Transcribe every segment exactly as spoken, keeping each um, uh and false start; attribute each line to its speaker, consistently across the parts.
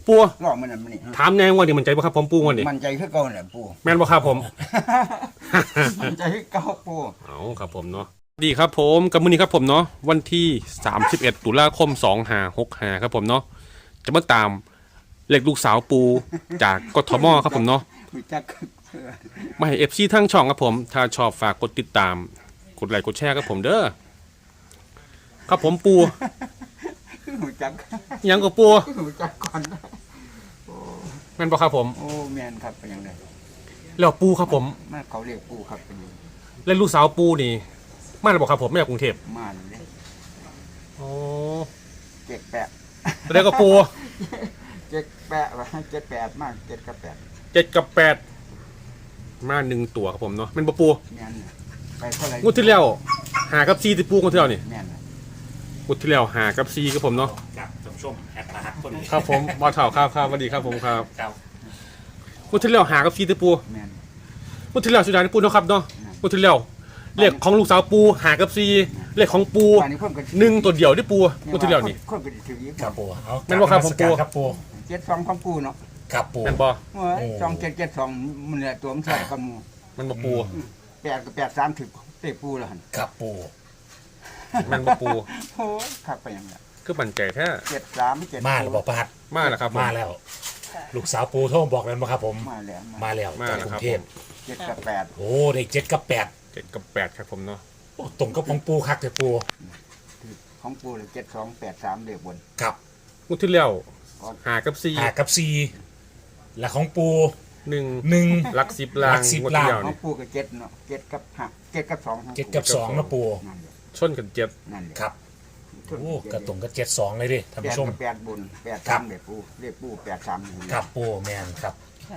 Speaker 1: ปู
Speaker 2: ลองมันนั่นมันนี่
Speaker 1: ถามแนงว่านี่มันใจบ่ครับผมปูวันนี้
Speaker 2: มันใจคือเก่าแหละปู
Speaker 1: แม่นบ่ครับผม
Speaker 2: มันใจคือเก่าปู
Speaker 1: เอาครับผมเนาะดีครับผมกับมื้อนี้ครับผมเนาะวันที่สามสิบเอ็ดตุลาคมสองห้าหกห้าครับผมเนาะจะมาตามเล็กลูกสาวปูจากกทมครับผมเนาะมาให้ เอฟ ซี ทั้งช่องครับผมถ้าชอบฝากกดติดตามกดไลค์กดแชร์ครับผมเด้อครับผมปู
Speaker 2: หูจัก
Speaker 1: ยังก็ปู
Speaker 2: หูจักก่อน
Speaker 1: แม่นบ่ครับผม
Speaker 2: โอ้แม่นครับเป็นยังไง
Speaker 1: แล้วปูครับผม
Speaker 2: มาเขาเรียกปูครับเป็นยัง
Speaker 1: เล่นลูกสาวปูนี่มาแล้วบ่ครับผมไม่จากกรุงเทพ
Speaker 2: มาเลย
Speaker 1: โอ้
Speaker 2: เจ็ดแปด
Speaker 1: แล้วก็ปู
Speaker 2: เจ็ดแปดวะเจ็ดแปดมากเจ็ดกับแปด
Speaker 1: เจ็ดกับแปดมาหนึ่งตัวครับผมเนาะแม่นบ่ปู
Speaker 2: แม่นไปเท่าไหร่
Speaker 1: งวดที่แล้วหากับซีที่ปูงวดที่แล้วนี่
Speaker 2: แม่น
Speaker 1: งวดที่แล้วหากับซีครับผมเนาะ
Speaker 3: ครับท่านผู้ชมแอดมาฮักคน
Speaker 1: ครับผมบ่เฒ่าครับครับสวัสดีครับผมครับ
Speaker 3: ครับ
Speaker 1: งวดที่แล้วหากับซีที่ปู
Speaker 2: แม่น
Speaker 1: งวดที่แล้วสุดท้ายปูเนาะครับเนาะงวดที่แล้วเลขของลูกสาวปูหากับซีเลขของปูหนึ่งตัวเดียวที่ปูงวดที่แล้วนี่
Speaker 3: ครับปู
Speaker 1: แม่นบ่ครับผมปู
Speaker 3: ครับปู
Speaker 2: เจ็ดสองของปูเนาะ
Speaker 3: ครับปู
Speaker 1: แม่นบ่
Speaker 2: สองเจ็ดเจ็ดสองมันเนี่ยตัวมันใส่กับมู
Speaker 1: มันบ่ปู
Speaker 2: แปดกับแปดสามถึงเตะปูแล้วหัน
Speaker 3: ครับปู
Speaker 1: แม่นบ่ปู
Speaker 2: โอ้ขับไปยังไง
Speaker 1: คือมั่นใจแท้
Speaker 2: เจ็ดสามเจ็ด
Speaker 3: มาแล้วบอกประหัด
Speaker 1: มาแล้วครับ
Speaker 3: มาแล้วลูกสาวปูโทรบอกแล้วมาครับผม
Speaker 2: มาแล้ว
Speaker 3: มาแล้วจากกรุงเทพ
Speaker 2: เจ็ดกับแปด
Speaker 3: โอ้เด็กเจ็ดกับแปด
Speaker 1: เจ็ดกับแปดครับผมเนาะ
Speaker 3: ตรงกับของปูคักแต่ปู
Speaker 2: ของปูเลยเจ็ดสองแปดสามเดือบบน
Speaker 3: ครับ
Speaker 1: งวดที่แล้วหากับซี
Speaker 3: หากับซีและของปู
Speaker 1: หนึ่ง
Speaker 3: หนึ่ง
Speaker 1: หลักสิบล้าน
Speaker 3: งวดที่
Speaker 2: แล้วของปูกับเจ็ดเนาะเจ็ดกับหักเจ็ดกับสอง
Speaker 3: เจ็ดกับสองนะปู
Speaker 1: ชนกันเจ็ด
Speaker 3: ครับโอ้กระตรงกับเจ็ดสองเลยดิท่านผู้ชม
Speaker 2: แปดบุญแปดสามเดือบปูเรียกปูแปดสาม
Speaker 3: ครับปูแมนครับ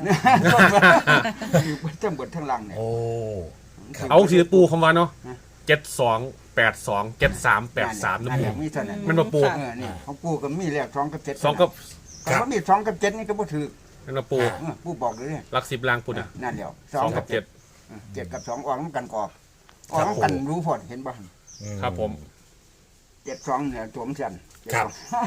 Speaker 2: ทั้งบนทั้งล่างเนี่ย
Speaker 3: โอ้
Speaker 1: เอาสีปูคำว่าเนาะเจ็ดสองแปดสองเจ็ดสามแปดสามนะปูมันมาปู
Speaker 2: นี่ของปูกับมีแรกสองกับเจ็ด
Speaker 1: สองกับ
Speaker 2: ก็มีสองกับเจ็ดนี่ก็บ่ถือ
Speaker 1: มันมาปู
Speaker 2: ปูบอกเลย
Speaker 1: หลักสิบล้านปูน่ะ
Speaker 2: นั่นเดียว
Speaker 1: สองกับเจ็ด
Speaker 2: เจ็ดกับสองออกน้ำกันกรอบออกน้ำกันรู้พอเห็นบ้าง
Speaker 1: ครับผม
Speaker 2: เจ็ดสองเนี่ยตัวมันสั่น
Speaker 3: ครับ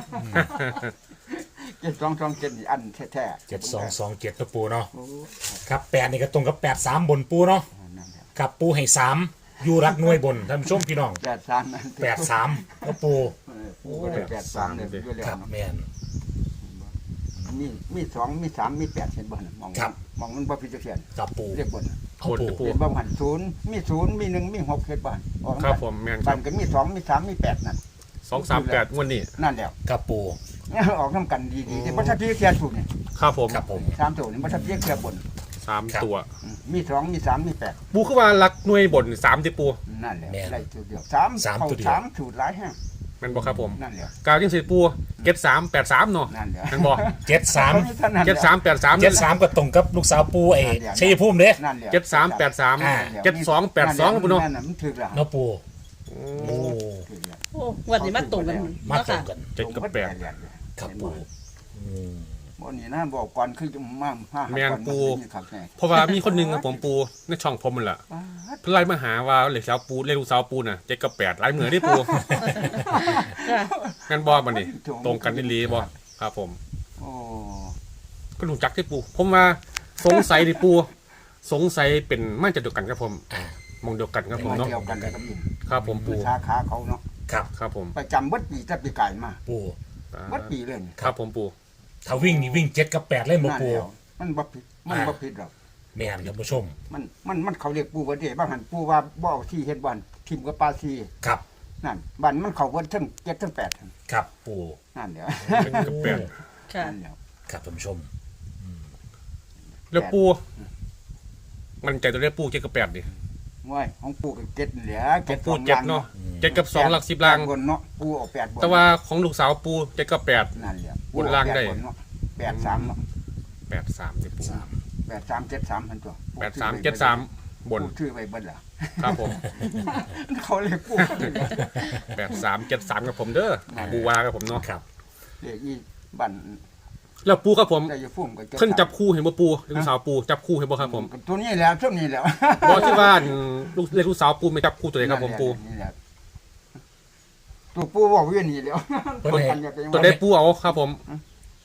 Speaker 2: เจ็ดสองสองเจ็ดอันแท้
Speaker 3: ๆเจ็ดสองสองเจ็ดตัวปูเนาะครับแปดนี่ก็ตรงกับแปดสามบนปูเนาะกับปูให้สามอยู่รักหน่วยบนท่านผู้ชมพี่น้อง
Speaker 2: แปดสาม
Speaker 3: แปดสามก็ปู
Speaker 2: ปูก็แปดสามเลยด้วยแล้ว
Speaker 3: ครับแมน
Speaker 2: มีมีสองมีสามมีแปดเห็นบ่มองมองมันบ่พิจารณา
Speaker 3: กับปู
Speaker 2: เรียกบ่
Speaker 1: โคตรปู
Speaker 2: เห็นบ่หันศูนย์มีศูนย์มีหนึ่งมีหกเห็นบ่
Speaker 1: ครับผมแมน
Speaker 2: บ้านก็มีสองมีสามมีแปดนั่น
Speaker 1: สองสามแปดวันนี้
Speaker 2: นั่นแล้ว
Speaker 3: กับปู
Speaker 2: เนี่ยออกน้ำกันดีๆที่บัตรพิจารณาถูกเนี่ย
Speaker 1: ครับผม
Speaker 3: ครับผม
Speaker 2: สามตัวนี่บัตรพิจารณาบน
Speaker 1: สามตัว
Speaker 2: มีสองมีสามมีแปด
Speaker 1: ปูขึ้นมาลักหน่วยบนสามที่ปู
Speaker 2: นั่นแหละได้ตัวเดียวสามสามตัวเดียวสามสูตรหลายแห้ง
Speaker 1: มันบอกครับผม
Speaker 2: นั่นแหละ
Speaker 1: กาวยิ่งสิปูเก็ตสามแปดสามเนาะ
Speaker 2: นั่นแหละ
Speaker 1: มันบอก
Speaker 3: เจ็ดสาม
Speaker 1: เจ็ดสามแปดสาม
Speaker 3: เจ็ดสามก็ตรงกับลูกสาวปูเอชัยภูมิเด้
Speaker 1: เจ็ดสามแปดสามเจ็ดสองแปดสองปูเนาะ
Speaker 2: มันถึกแล้ว
Speaker 3: เนาะปู
Speaker 4: โอ้วันนี้มาตรงกัน
Speaker 3: มาตรงกัน
Speaker 1: เจ็ดกับแปด
Speaker 3: ครับปู
Speaker 2: บ่นี่นะบอกก่อนคือจะมา
Speaker 1: แมนปูเพราะว่ามีคนนึงกับผมปูในช่องผมมันแหละเพื่อไล่มาหาว่าเหล็กสาวปูเล่ลูกสาวปูน่ะเจ็ดกับแปดไล่เหมือนที่ปูงั้นบอมันนี่ตรงกันนี่ลีบอครับผม
Speaker 2: โอ้
Speaker 1: ก็รู้จักที่ปูผมว่าสงสัยที่ปูสงสัยเป็นไม่จะเดียวกันครับผมมองเดียวกันครับผมเนาะครับผมปู
Speaker 2: สาขาเขาเนาะ
Speaker 1: ครับครับผม
Speaker 2: ประจำวัดปีจะปีไก่มา
Speaker 3: ปู
Speaker 2: วัดปีเลย
Speaker 1: ครับผมปู
Speaker 3: ถ้าวิ่งนี่วิ่งเจ็ดกับแปดเล่นมาปู
Speaker 2: มันบ่ผิดมันบ่ผิดหรอก
Speaker 3: แม่นครับผู้ชม
Speaker 2: มันมันมันเขาเรียกปูว่าเด้บางหันปูว่าบ่เอาที่เฮ็ดบ้านทิมกับปลาซี
Speaker 3: ครับ
Speaker 2: นั่นบ้านมันเขาเบิดทั้งเจ็ดทั้งแปด
Speaker 3: ครับปู
Speaker 2: นั่นเดี๋ยว
Speaker 1: เป็นกับแปด
Speaker 4: ค่ะ
Speaker 3: ครับท่านผู้ชม
Speaker 1: แล้วปูมันใจตัวเรียกปูเจ็ดกับแปดดิ
Speaker 2: มวยของปูกับเจ็ดเหลือ
Speaker 1: เจ็ดปูเจ็ดเนาะเจ็ดกับสองหลักสิบล่าง
Speaker 2: บนเนาะปูออกแปดบน
Speaker 1: แต่ว่าของลูกสาวปูเจ็ดกับแปด
Speaker 2: นั่นแหละ
Speaker 1: บนล่างได้
Speaker 2: แปดสามเนาะ
Speaker 1: แปดสามดิปู
Speaker 2: แปดสามเจ็ดสามพันตัว
Speaker 1: แปดสามเจ็ดสามบน
Speaker 2: ชื่อไปเบิ้ลล่ะ
Speaker 1: ครับผม
Speaker 2: เขาเลยปู
Speaker 1: แปดสามเจ็ดสามกับผมเด้อปูวากับผมเนาะ
Speaker 3: ครับ
Speaker 2: เรียกอีบัน
Speaker 1: แล้วปูครับผมเพิ่นจับคู่เห็นบ่ปูลูกสาวปูจับคู่เห็นบ่ครับผม
Speaker 2: ตัวนี้แล้วช่วงนี้แล้ว
Speaker 1: บอกที่ว่าลูกเล็กลูกสาวปูไม่จับคู่ตัวไหนครับผมปู
Speaker 2: ตัวปูบอกว่านี่แล้ว
Speaker 1: ตัวได้ปูเอาครับผม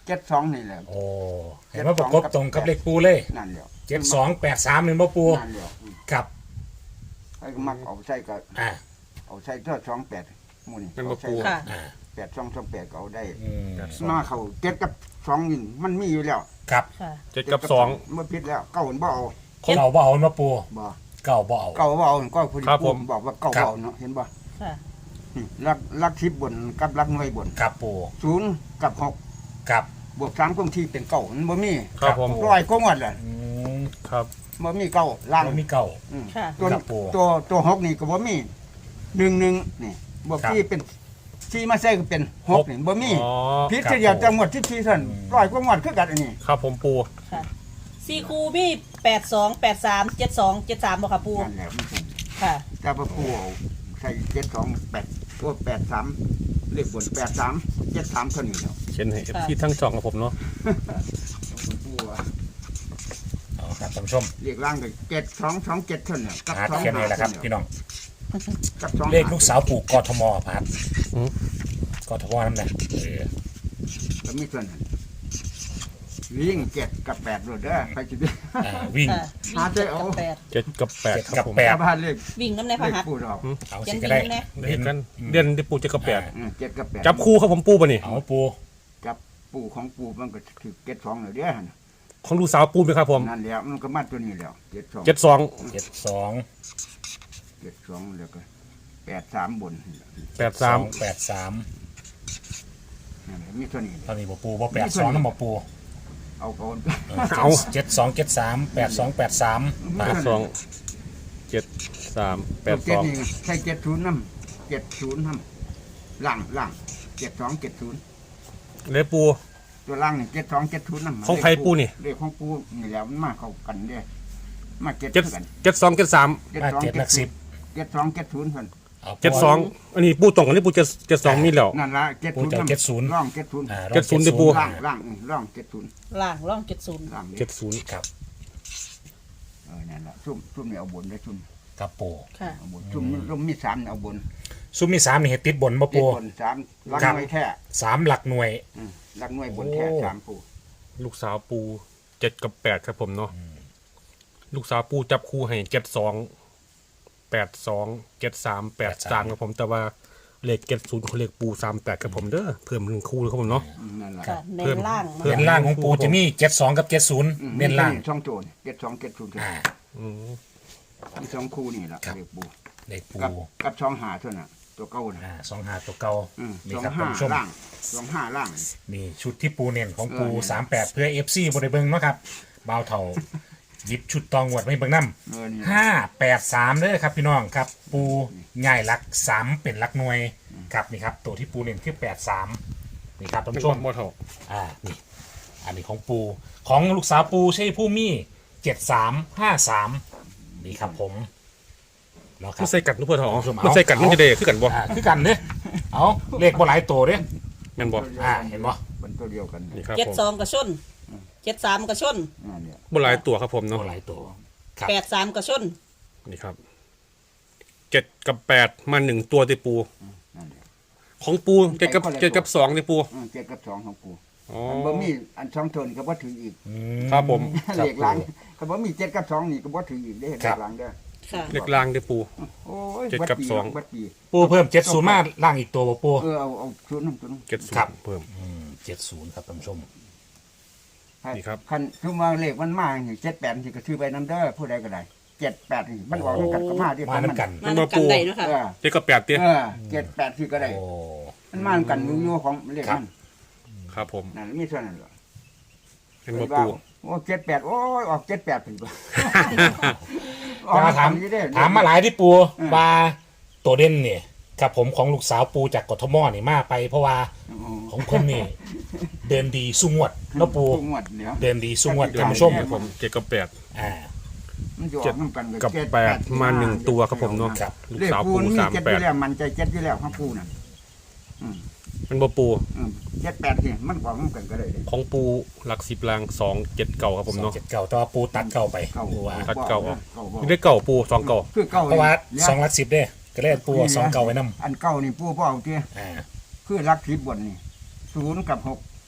Speaker 2: เจ็ดสองนี่แหละ
Speaker 3: โอ้เห็นว่าประกบตรงกับเลขปูเลย
Speaker 2: นั่นเดียว
Speaker 3: เจ็ดสองแปดสามหนึ่งบ่ปู
Speaker 2: นั่นเดียวอืม
Speaker 3: ครับ
Speaker 2: ไอ้มักเอาใส่ก็
Speaker 3: อ่า
Speaker 2: เอาใส่เท่าสองแปดหมูนี่
Speaker 1: เป็นบ่
Speaker 2: เอาใส่
Speaker 1: ปู
Speaker 4: ค่ะ
Speaker 3: อ่า
Speaker 2: แปดสองสองแปดก็เอาได้
Speaker 3: อืม
Speaker 2: มาเขาเจ็ดกับสองนี่มันมีอยู่แล้ว
Speaker 3: ครับ
Speaker 4: ค่ะ
Speaker 1: เจ็ดกับสอง
Speaker 2: เมื่อพิษแล้วเก้าเห็นบ่เอา
Speaker 3: เก่าบ่เอาเนาะปู
Speaker 2: บ่
Speaker 3: เก่าบ่เอา
Speaker 2: เก้าบ่เอาก็คุณ
Speaker 1: ครับผม
Speaker 2: บอกว่าเก้า
Speaker 3: ครับ
Speaker 2: บ่เอาเนาะเห็นบ่
Speaker 4: ค่ะ
Speaker 2: นี่ลักลักทิพย์บนกับลักหน่วยบน
Speaker 3: ครับปู
Speaker 2: ศูนย์กับหก
Speaker 3: ครับ
Speaker 2: บวกสามคงที่เป็นเก้ามันบ่มี
Speaker 1: ครับผม
Speaker 2: ร้อยก็งวดแหละ
Speaker 3: อืม
Speaker 1: ครับ
Speaker 2: บ่มีเก้าล่าง
Speaker 3: แล้วมีเก่า
Speaker 2: อืม
Speaker 4: ค่ะ
Speaker 2: ตัว
Speaker 3: ครับผม
Speaker 2: ตัวตัวหกนี่ก็บ่มีหนึ่งหนึ่งนี่บวก
Speaker 3: ครับ
Speaker 2: ที่เป็นที่มาใส่ก็เป็นหกนี่บ่มี
Speaker 1: อ๋อ
Speaker 2: พิษ
Speaker 3: ครับ
Speaker 2: เดียว
Speaker 3: ผม
Speaker 2: จังหวัดที่ที่ท่าน
Speaker 3: อืม
Speaker 2: ร้อยก็งวดคือกันอันนี้
Speaker 1: ครับผมปู
Speaker 4: ค่ะสี่คูมีแปดสองแปดสามเจ็ดสองเจ็ดสามบ่ค่ะปู
Speaker 2: นั่นแหละมันเป็น
Speaker 4: ค่ะ
Speaker 2: แต่พอปูเอาใส่เจ็ดสองแปดตัวแปดสามเลขบนแปดสามเจ็ดสามเท่านี้เนาะ
Speaker 1: เขียนให้ที่ทั้งสองกับผมเนาะ
Speaker 2: ปูว่า
Speaker 3: เอาครับท่านผู้ชม
Speaker 2: เลขล่างก็เจ็ดสองสองเจ็ดเท่านี้กับ
Speaker 3: พาร์ท
Speaker 2: สอง
Speaker 3: เขียนเลยแหละครับพี่น้อง
Speaker 2: กับสอง
Speaker 3: เลขลูกสาวปู่กทมพาร์ทกทมนั่นแหละเออ
Speaker 2: ก็มีส่วนนั้นวิ่งเจ็ดกับแปดโดดเด้อใครจะได้
Speaker 3: อ่าวิ่ง
Speaker 4: ค่ะ
Speaker 2: หา
Speaker 4: วิ่ง
Speaker 2: ได้
Speaker 4: เจ็ด
Speaker 2: เอา
Speaker 4: กับแปด
Speaker 1: เจ็ดกับแปด
Speaker 3: เจ็ด
Speaker 1: ครั
Speaker 3: กั
Speaker 1: บบ ผม
Speaker 3: แปด
Speaker 2: ชาวบ้านเลข
Speaker 4: วิ่งน้ำในพ
Speaker 2: เลข
Speaker 4: หัส
Speaker 2: ปูดอก
Speaker 3: เอา
Speaker 4: เขีย
Speaker 3: สิ
Speaker 4: น
Speaker 3: ก็ได้
Speaker 4: วิ่งน้ำแน่
Speaker 1: เรียนกัน
Speaker 3: อืม
Speaker 1: เรียนที่ปูเจ็ดกับแปด
Speaker 2: อืมเจ็ดกับแปด
Speaker 1: จับคู่ครับผมปูป่ะนี่
Speaker 3: เอาปู
Speaker 2: จับปูของปูมันก็ถือเจ็ดสองเลยเด้อหั่น
Speaker 1: ของลูกสาวปูไหมครับผม
Speaker 2: นั่นแหล้วมันก็มาตัวนี้แล้วเจ็ดสอง
Speaker 1: เจ็ดสอง
Speaker 3: เจ็ดสอง
Speaker 2: เจ็ดสองแล้วก็แปดสามบน
Speaker 1: แปดสาม
Speaker 3: แปดสาม
Speaker 2: นั่นแหละมีตัวนี้
Speaker 3: ตอนนี้บ่ปูบ่แปดสองน้ำบ่ปู
Speaker 2: เอาก่อน
Speaker 1: เอา
Speaker 3: เจ็ดสองเจ็ดสามแปดสองแปดสาม
Speaker 1: แปดสองเจ็ดสามแปด
Speaker 2: เจ็
Speaker 1: ส
Speaker 2: ด
Speaker 1: อง
Speaker 2: นี่ใช่เจ็ดศูนย์น้ำเจ็ดศูนย์น้ำล่างล่างเจ็ดสองเจ็ดศูนย์
Speaker 1: เลยปู
Speaker 2: ตัวล่างนี่เจ็ดสองเจ็ดศูนย์น้ำ
Speaker 1: ของใครปูนี่
Speaker 2: เลขของปูนี่แหล้วมันมาเข้ากันเด้อมาเจ็ด
Speaker 1: เจ็ด
Speaker 2: กัน
Speaker 1: เจ็ดสองเจ็ดสาม
Speaker 3: มาเจ็ดหลักสิบ
Speaker 2: เจ็ดสองเจ็ดศูนย์เพิ่น
Speaker 3: เอา
Speaker 1: เจ็ดสองอันนี้ปูตรงกันนี่ปูเจ็ดเจ็ดสองมีแล้ว
Speaker 2: นั่นละเจ็ด
Speaker 3: ปู
Speaker 2: ศูนย์
Speaker 3: จะเจ็ดศูนย์
Speaker 2: ร่องเจ็ดศูนย์
Speaker 3: อ่า
Speaker 1: เจ็ดศูนย์เดี๋ยวปู
Speaker 2: ล่างล่างอืมร่องเจ็ดศูนย์
Speaker 4: ล่างร่องเจ็ดศูนย์
Speaker 2: ล่าง
Speaker 1: เจ็ดศูนย์
Speaker 3: ครับ
Speaker 2: เออนั่นละซุ่มซุ่มนี่เอาบนได้ซุ่ม
Speaker 3: ครับปู
Speaker 4: ค่ะ
Speaker 2: เอาบนซุ่มซุ่มมีสามนี่เอาบน
Speaker 3: ซุ้มมีสามนี่เห็ดติดบนบ่
Speaker 2: เจ็ด
Speaker 3: ปู
Speaker 2: บนสามลัก
Speaker 3: ครับ
Speaker 2: หน่วยแท้
Speaker 3: สามหลักหน่วย
Speaker 2: อืมลักหน่วยบนแท้
Speaker 3: โอ้
Speaker 2: สามปู
Speaker 1: ลูกสาวปูเจ็ดกับแปดครับผมเนาะลูกสาวปูจับคู่ให้เจ็ดสองแปดสองเจ็ดสามแปดสามครับผมแต่ว่าเลขเจ็ดศูนย์เขาเลขปูสามแปดครับผมเด้อเพิ่มหนึ่งคู่เลยครับผมเนาะ
Speaker 2: อืมนั่นละ
Speaker 4: ค่ะใน
Speaker 1: เพิ่ม
Speaker 4: ล่าง
Speaker 1: เพิ่
Speaker 3: เน้นล่างของปูจะมีเจ็ดสองกับเจ็ดศูนย์
Speaker 2: อืม
Speaker 3: เน้นล่าง
Speaker 2: มีช่องโจรเจ็ดสองเจ็ดศูนย์
Speaker 3: อ่า
Speaker 1: อืม
Speaker 2: มีสองคู่นี่ละ
Speaker 3: ครับ
Speaker 2: เรียกปู
Speaker 3: เลขปู
Speaker 2: กับกับช่องหาเท่านั้นตัวเก่าน่ะ
Speaker 3: อ่าสองหาตัวเก่า
Speaker 2: อืม
Speaker 3: นี่
Speaker 2: สอง
Speaker 3: ครับ
Speaker 2: ห้า
Speaker 3: ท่านผู้ชม
Speaker 2: ล่างสองห้าล่าง
Speaker 3: นี่ชุดที่ปูเน้นของปู
Speaker 2: เออเนี่ย
Speaker 3: สามแปดเพื่อเอฟซีบริเบิงเนาะครับบ่าวเท่าหยิบชุดตองวดไม่เบิ่งน้
Speaker 2: เออนี่
Speaker 3: ำห้าแปดสามเลยครับพี่น้องครับ ปูง่ายหลักสามเป็นหลักหน่วยครับนี่ครับตัวที่ปูเน้นคือแปดสามนี่ครับท่าน
Speaker 1: เป็น
Speaker 3: ผู้ช
Speaker 1: ค
Speaker 3: ม
Speaker 1: วามโมเท่า
Speaker 3: อ่า นี่ อันนี้ของปู ของลูกสาวปูใช่ผู้มี่เจ็ดสามห้าสามนี่ครับผมแล้วครั
Speaker 1: ไม่
Speaker 3: บ
Speaker 1: ใส่กัดลูกเพื่อนทอง
Speaker 3: เอา
Speaker 1: ไม่ใส่กัดมันจะเดคือกันบ่
Speaker 3: อ่าคือกันเนี่ยเอาเลขบ่หลายตัวเนี่ย
Speaker 1: แม่นบ่
Speaker 3: อ่า เห็นบ่
Speaker 2: มันตัวเดียวกัน
Speaker 1: นี่ครับ
Speaker 4: เจ็ด
Speaker 1: ผม
Speaker 4: สองกระชนเจ็ดสามกระชน
Speaker 2: นั่นเนี่ย
Speaker 1: บ่หลายตัวครับผม
Speaker 3: บ่
Speaker 1: เนาะ
Speaker 3: หลายตัว ครับ
Speaker 4: แปดสามกระชน
Speaker 1: นี่ครับเจ็ดกับแปดมาหนึ่งตัวติปู
Speaker 2: นั่นเนี่ย
Speaker 1: ของปูเจ็ดกับเจ็ดกับสองติปู
Speaker 2: อืมเจ็ดกับสองของปู
Speaker 1: อ๋อ
Speaker 2: อันบ่มีอันช่องโทนก็บ่ถืออีก
Speaker 3: อืม
Speaker 1: ครับผม
Speaker 3: ครั
Speaker 2: เล
Speaker 3: บ
Speaker 2: ขหลังก็บ่มีเจ็ดกับสองนี่ก็บ่ถืออีกได้เล
Speaker 3: ครั
Speaker 2: ข
Speaker 3: บ
Speaker 2: หลังเด้อ
Speaker 4: ค่ะ
Speaker 1: เล็กลางติปู
Speaker 2: โอ้ย
Speaker 1: เจ็ดกับ
Speaker 2: ดปี
Speaker 1: สอง
Speaker 2: เบัดปี
Speaker 3: ปูเพิ่มเจ็ดศูนย์มาล่างอีกตัวบ่ปู
Speaker 2: เออเอาเอาศูนย์น้ำศูนย์
Speaker 1: เจ็ดศูน
Speaker 3: ครับ
Speaker 1: ย์เพิ่ม
Speaker 3: อืมเจ็ดศูนย์ครับท่านผู้ชม
Speaker 1: นี่ครับ
Speaker 2: คันคือว่าเลขมันมาอย่างเจ็ดแปดนี่ก็ซื้อไปน้ำเด้อผู้ใดก็ได้เจ็ดแปดนี่มันออกด้วยกันก็มาที่
Speaker 3: มาน้ำกัน
Speaker 4: มานับกันได้เนาะค่ะ
Speaker 2: เออ
Speaker 1: เจ็ดกับแปดติ
Speaker 2: เออเจ็ดแปดที่ก็ได้
Speaker 3: โอ้
Speaker 2: มันมาด้วยกันอยู่อยู่ของเลข
Speaker 3: ครับ
Speaker 2: มัน
Speaker 1: ครับผม
Speaker 2: นั่นมีเท่านั้นเหรอ
Speaker 1: เป็นบ่ปู
Speaker 2: โอ้เจ็ดแปดโอ้ยออกเจ็ดแปดถึง
Speaker 3: แต่มาถามถามมาหลายที่ปูว่าตัวเด่นเนี่ยครับผมของลูกสาวปูจากกทมนี่มาไปเพราะว่าของคนนี่เดินดีสุงวดแล้วปู
Speaker 2: งวดเดี๋ยว
Speaker 3: เดินดีสุงวด
Speaker 1: เดี๋ยว
Speaker 3: ท่าน
Speaker 1: มา
Speaker 3: ผู้
Speaker 1: ช
Speaker 3: ช
Speaker 1: ม
Speaker 3: ม
Speaker 1: ครับผมเจ็ดกับแปด
Speaker 3: อ่า
Speaker 2: มันจะอ
Speaker 1: เจ็
Speaker 2: อ
Speaker 1: ด
Speaker 2: กน้ำกัน
Speaker 1: กับ
Speaker 2: เจ็ด
Speaker 1: แปดมาหนึ่งตัวครับผมเนาะ
Speaker 3: ครับ
Speaker 1: ลูก
Speaker 2: เลข
Speaker 1: สาว
Speaker 2: ปู
Speaker 1: ปู
Speaker 2: นมี
Speaker 1: สาม
Speaker 2: เจ็ดอ
Speaker 1: แปด
Speaker 2: ยู่แล้วมันใจเจ็ดอยู่แล้วของปูนั่น
Speaker 1: เป็นบ่ปู
Speaker 2: อืมเจ็ดแปดนี่มันออกน้ำกันก็ได้เลย
Speaker 1: ของปูหลักสิบลางสองเจ็ดเก่าครับผมเนาะ
Speaker 3: เจ็ดเก่าแต่ว่าปูตัดเก่าไป
Speaker 2: เก่า
Speaker 3: ปูว่า
Speaker 1: ตัดเก่าออก
Speaker 2: เก่าบ่
Speaker 1: นี่ได้เก่าปูสองเก่า
Speaker 2: คือเก่า
Speaker 3: เพราะว่า
Speaker 2: นี่ย
Speaker 3: สองหลักสิบเด้ก็เลยปูเอาสองเก่าไว้นำ
Speaker 2: อันเก่านี่ปูเปล่าเจ้
Speaker 3: อ่า
Speaker 2: คือรักทิพย์บนนี่ศูนย์กับหก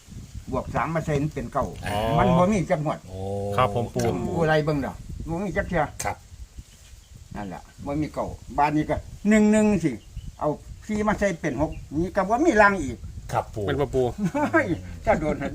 Speaker 2: บวกสามมาใส่มันเป็นเก้า
Speaker 3: อ๋อ
Speaker 2: มันบ่มีจักหมด
Speaker 3: โอ้
Speaker 1: ครับผมปู
Speaker 2: ผู้ไรเบิ่งดอกบ่มีจักเทื่อ
Speaker 3: ครับ
Speaker 2: นั่นแหละบ่มีเก้าบานนี้ก็หนึ่งหนึ่งสิเอาสี่มาใส่เป็นหกนี่ก็บ่มีรางอีก
Speaker 3: ครับปู
Speaker 1: เป็นปะปู
Speaker 2: เฮ้ยถ้าโดนหั่น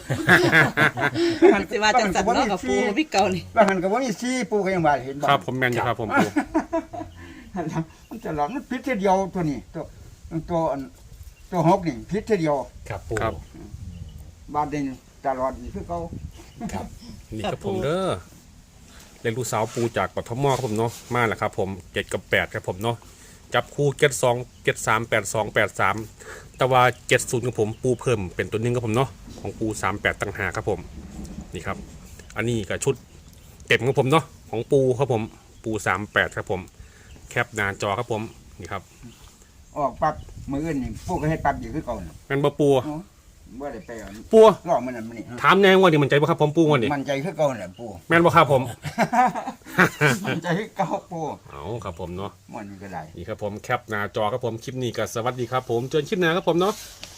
Speaker 4: สิว่าจังสันเนาะกับปูพี่เก่านี่
Speaker 2: ว่าหันก็บ่มีสี่ปูก็ยังว่าเห็นบ่
Speaker 1: ครับผมแมนอยู่ครับผมปู
Speaker 2: นั่นล่ะมันจะหลอกมันผิดทีเดียวตัวนี้ตัวตัวอันตัวหกนี่ผิดทีเดียว
Speaker 3: ครับปู
Speaker 1: ครับ
Speaker 2: บาดนี้ตลอดนี่คือเก่า
Speaker 3: ครับ
Speaker 1: นี่ครับผมเด้อเลขลูกสาวปูจากปทมครับผมเนาะมาแล้วครับผมเจ็ดกับแปดครับผมเนาะจับคู่เจ็ดสองเจ็ดสามแปดสองแปดสามแต่ว่าเจ็ดศูนย์ของผมปูเพิ่มเป็นตัวหนึงครับผมเนาะของปูสามแปดต่างหากครับผมนี่ครับ อันนี้ก็ชุดเต็มของผมเนาะของปูครับผมปูสามแปดครับผมแคปหน้าจอครับผมนี่ครับ
Speaker 2: ออกปั๊บมื้ออื่นนี่ปูก็เฮ็ดปั๊บอยู่คือเก่าน่ะ
Speaker 1: แมนบะปู
Speaker 2: เนาะบ่ได้ไปเอา
Speaker 1: ปู
Speaker 2: ลอกมันนั่นมันนี่
Speaker 1: ถามแนงว่านี่มันใจบ่ครับผมปูวันนี้
Speaker 2: มันใจคือเก่าน่ะปู
Speaker 1: แมนบ่ครับผม
Speaker 2: มันใจคือเก่าปู
Speaker 1: เอาครับผมเนาะ
Speaker 2: มันก็ได้
Speaker 1: นี่ครับผมแคปหน้าจอครับผมคลิปนี้ก็สวัสดีครับผมเจอกันคลิปหน้าครับผมเนาะ
Speaker 2: ค